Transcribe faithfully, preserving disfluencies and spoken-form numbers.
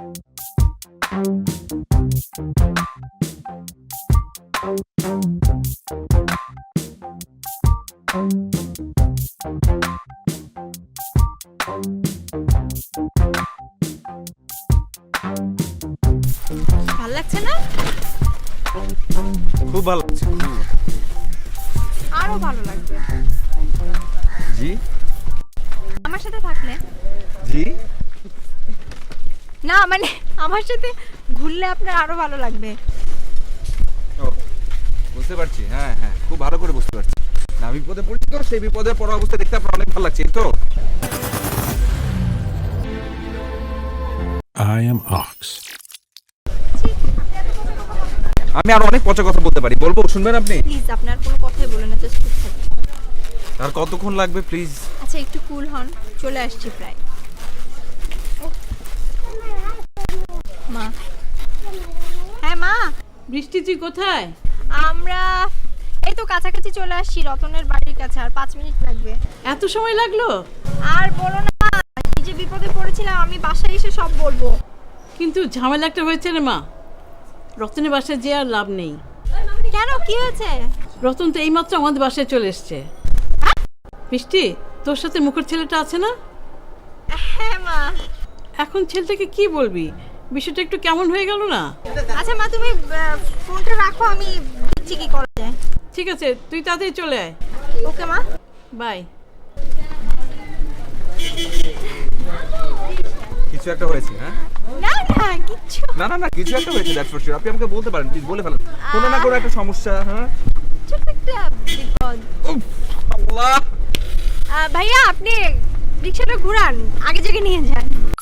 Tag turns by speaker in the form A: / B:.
A: ভালো লাগছে না?
B: খুব ভালো লাগছে।
A: আরো ভালো লাগবে
B: জি
A: আমার সাথে থাকলে।
B: জি
A: না মানে আমার সাথে ঘুরলে আপনার আরো ভালো লাগবে।
B: ও বুঝতে পারছি, হ্যাঁ হ্যাঁ খুব ভালো করে বুঝতে পারছি। না বিপদে পড়ছি তো, সেই বিপদে পড়া অবস্থা দেখতে আপনার অনেক ভালো লাগছে তো।
C: I am Ox.
B: আমি আর অনেক পচা কথা বলতে পারি, বলবো শুনবেন আপনি?
A: প্লিজ আপনার কোনো কথাই বলেন না, জাস্ট চুপ থাকুন।
B: আর কতক্ষণ লাগবে প্লিজ?
A: আচ্ছা একটু কুল হন, চলে আসছি প্রায়। মা, হ্যাঁ মা।
D: বৃষ্টি তুই কোথায়?
A: আমরা এই তো কাছাকাছি চলে আসছি, রতনের বাড়ির কাছে। আর পাঁচ মিনিট লাগবে।
D: এত সময় লাগলো?
A: আর বলো না, কি যে বিপদে পড়েছিলাম, আমি বাসায় এসে সব বলবো।
D: কিন্তু ঝামেলা একটা হয়েছে রে মা, রতনের বাসায় যে আর লাভ নেই।
A: কেন, কি হয়েছে?
D: রতন তো এইমাত্র আমাদের বাসায় চলে এসছে। বৃষ্টি, তোর সাথে মুখের ছেলেটা আছে না?
A: হ্যাঁ মা।
D: এখন ছেলেটাকে কি বলবি? বিষয়টা একটু কেমন হয়ে গেল না?
A: আচ্ছা মা, তুমি আহ, ফোনটা রাখো, আমি দেখছি কি করা যায়।
D: ঠিক আছে, তুই তাড়াতাড়ি চলে আয়।
A: ওকে মা,
D: বাই।
B: কিছু একটা হয়েছে, হ্যাঁ?
A: না না কিচ্ছু
B: না না না কিছু একটা হয়েছে, দ্যাটস ফর শিওর। আপনি আমাকে বলতে পারেন, প্লিজ বলে ফেলেন। কোনো না কোনো একটা সমস্যা, হ্যাঁ?
A: ছোট একটা বিপদ।
B: উফ, আল্লাহ।
A: আহ, ভাইয়া আপনি রিক্সাটা ঘুরান, আগে জায়গায় নিয়ে যান।